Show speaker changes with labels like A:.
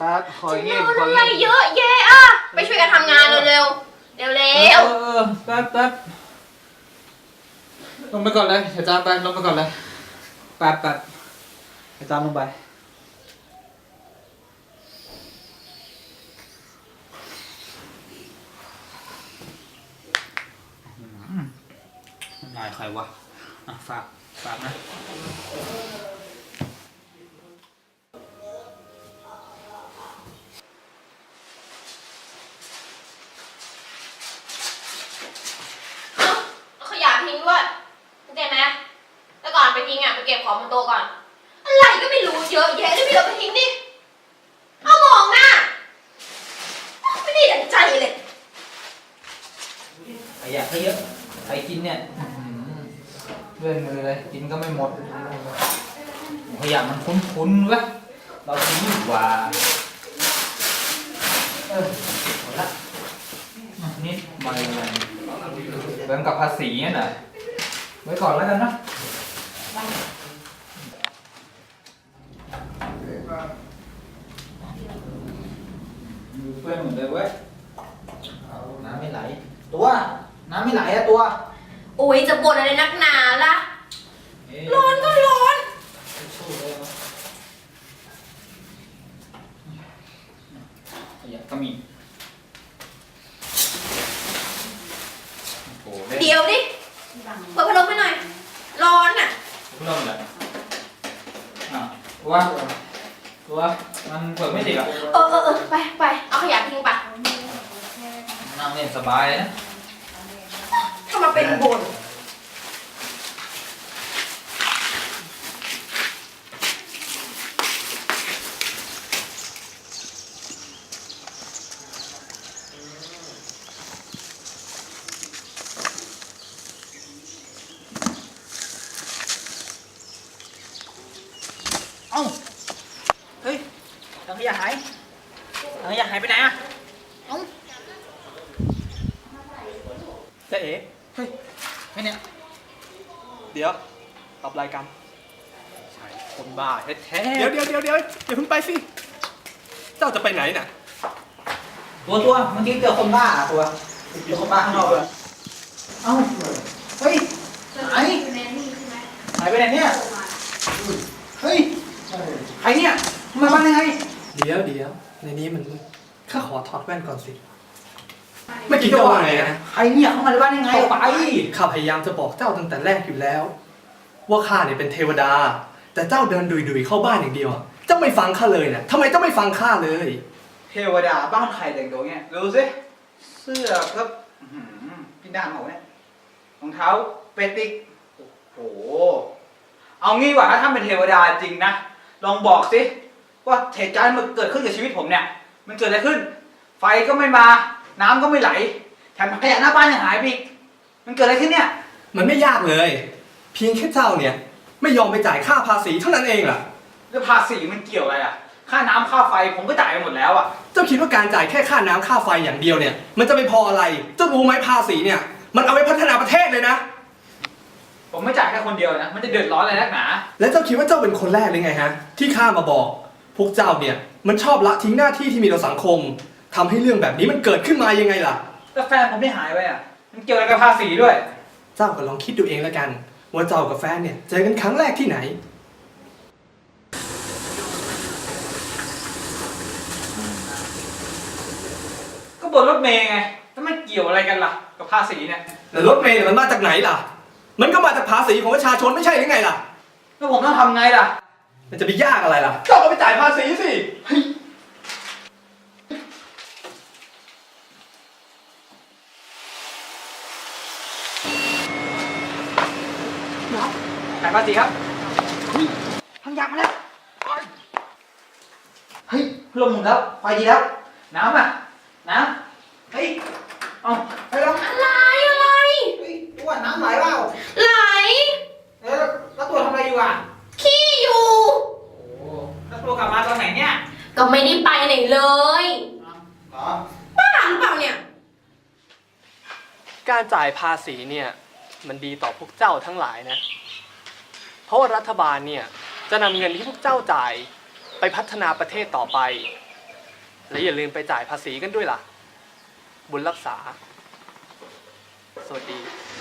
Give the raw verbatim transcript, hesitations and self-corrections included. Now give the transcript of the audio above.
A: ครับขอเงียบขอ
B: อะไร
A: เงียบ
B: เยอะแยะอ่ะไปช่วยกันทำงานเร็วๆเร็วๆเร็ว
A: เออแป๊บแป๊บลงไปก่อนเลยอาจารย์ไปลงไปก่อนเลยแป๊บแป๊บอาจารย์ลงไปนายใครวะอ่ะฝากฝากนะ
B: เอาขยะทิ้งด้วยเข้าใจไหมแล้วก่อนไปทิ้งอ่ะไปเก็บของบนโต๊ะก่อนอะไรก็ไม่รู้เยอะแยะเลยพี่เราไปทิ้งดิเอามองหน้าไม่ได้ดั่งใจเลย
A: ขยะก็เยอะใครกินเนี่ยเลื่อนมือเลยกินก็ไม่หมดขยะมันคุ้นๆวะเราทิ้งดีกว่าเออหมดละนี่มาเลยเริ่มกับภาษีเนี่ยนะไว้ก่อนแล้วกันนะมือเปื้อนหมดเลยเว้ยเอาน้ำไม่ไหลตัวน้ำไม่ไหลอะตัว
B: โอ้ยจะบ่นอะไรนักหนาล่ะร้อนก็ร้อน
A: สู้เลยมั้ยขยะก็มีโอ้โห
B: เดี๋ยวดิเปิดพัดลมให้หน่อยร้อนอ่ะ
A: เริ่มเลยอ่ะว่าว่ามันเปิดไม่ติดอ่ะ
B: เออเออเออไปไปเอาขยะทิ้งไป
A: นั่งเล่นสบายนะ
B: ถ้ามาเป็นบ่น
C: เอ้าเฮ้ยถังขยะหายถังขยะหายไปไหนอ่ะเอ้าจะเอ๋เฮ้ยไงเนี่ยเดี๋ยวตอบรายการใช่คนบ้าแท้ๆ
D: เดี๋ยวเดี๋ยวเดี๋ยวเดี๋ยวอย่าเพิ่งไปสิ เจ้าจะไปไหนน่ะ
C: ตัวตัวเมื่อกี้เจอคนบ้าอะตัวเจอคนบ้าข้างนอกเลยเอ้าเฮ้ยหายหายไปไหนเนี่ยเฮ้ยใครเนี่ยมาบ้านยังไง
D: เดี๋ยวเดี๋ยวในนี้มันข้าขอถอดแว่นก่อนสิเมื่อกี้เจ้าว่าไงนะ
C: ใครเนี่ยเข้ามาในบ้านยังไงออกไป
D: ข้าพยายามจะบอกเจ้าตั้งแต่แรกอยู่แล้ว ว่าข้าเนี่ยเป็นเทวดา แต่เจ้าเดินดุยๆเข้าบ้านอย่างเดียวอะเจ้าไม่ฟังข้าเลยนะทำไมเจ้าไม่ฟังข้าเลย
C: เทวดาบ้านใครแต่งตัวเงี้ยดูสิเสื้อครับอื้อหือพี่ดามเหรอเนี่ยรองเท้าเปติกโอ้โหเอางี้ดีกว่าถ้าท่านเป็นเทวดาจริงนะลองบอกสิว่าเหตุการณ์มันเกิดขึ้นกับชีวิตผมเนี่ยมันเกิดอะไรขึ้น ไฟก็ไม่มาน้ำก็ไม่ไหลแถมขยะหน้าบ้านยังหายไปอีกมันเกิดอะไรขึ้นเนี่ย
D: มันไม่ยากเลย เพียงแค่เจ้าเนี่ยไม่ยอมไปจ่ายค่าภาษีเท่านั้นเองล่ะ
C: แล้วภาษีมันเกี่ยวอะไรอ่ะค่าน้ำค่าไฟผมก็จ่ายไปหมดแล้วอ่ะ
D: เจ้าคิดว่าการจ่ายแค่ค่าน้ำค่าไฟอย่างเดียวเนี่ยมันจะไม่พออะไร เจ้ารู้ไหมภาษีเนี่ยมันเอาไปพัฒนาประเทศเลยนะ
C: ผมไม่จ่ายแค่คนเดียวนะมันจะเดือดร้อนอะไรนักหนา
D: และเจ้าคิดว่าเจ้าเป็นคนแรกเลยไงฮะที่ข้ามาบอก พวกเจ้าเนี่ยมันชอบละทิ้งหน้าที่ที่มีต่อสังคมทำให้เรื่องแบบนี้มันเกิดขึ้นมายังไงล่ะ
C: แล้วแฟนผมได้หายไปอ่ะมันเกี่ยวอะไรกับภาษีด้วย
D: เจ้าก็ลองคิดดูเองแล้วกัน ว่าเจ้ากับแฟนเนี่ยเจอกันครั้งแรกที่ไหน
C: ก็บนรถเมย์ไงแล้วมันเกี่ยวอะไรกันล่ะกับภาษีเนี่ย
D: แล้วรถเมล์เนี่ยมันมาจากไหนล่ะ มันก็มาจากภาษีของประชาชนไม่ใช่หรือไงล่ะ
C: แล้วผมต้องทำไงล่ะ
D: มันจะไปยากอะไรล่ะ เจ้าก็ไปจ่ายภาษีสิ
C: จ่ายภาษีครับทางยางมาแล้วเฮ้ยพัดลมหมุนแล้วไฟดีแล้ว น้ำอ่ะน้ำเฮ้ยเอาไปลอง
B: อะไรอะไร
C: เฮ้ยตัวน้ำไหลเปล่า
B: ไหล
C: แล้วแล้วตัวทำอะไรอยู่อ่ะ
B: ขี้อยู่
C: โอ้แล้วตัวกลับมาตอนไหนเนี่ย
B: ก็ไม่ได้ไปไหนเลย
C: อ๋อ
B: บ้าหรือเปล่าเนี่ย
E: การจ่ายภาษีเนี่ยมันดีต่อพวกเจ้าทั้งหลายนะ เพราะว่ารัฐบาลเนี่ยจะนำเงินที่พวกเจ้าจ่ายไปพัฒนาประเทศต่อไปและอย่าลืมไปจ่ายภาษีกันด้วยล่ะ บุญรักษา สวัสดี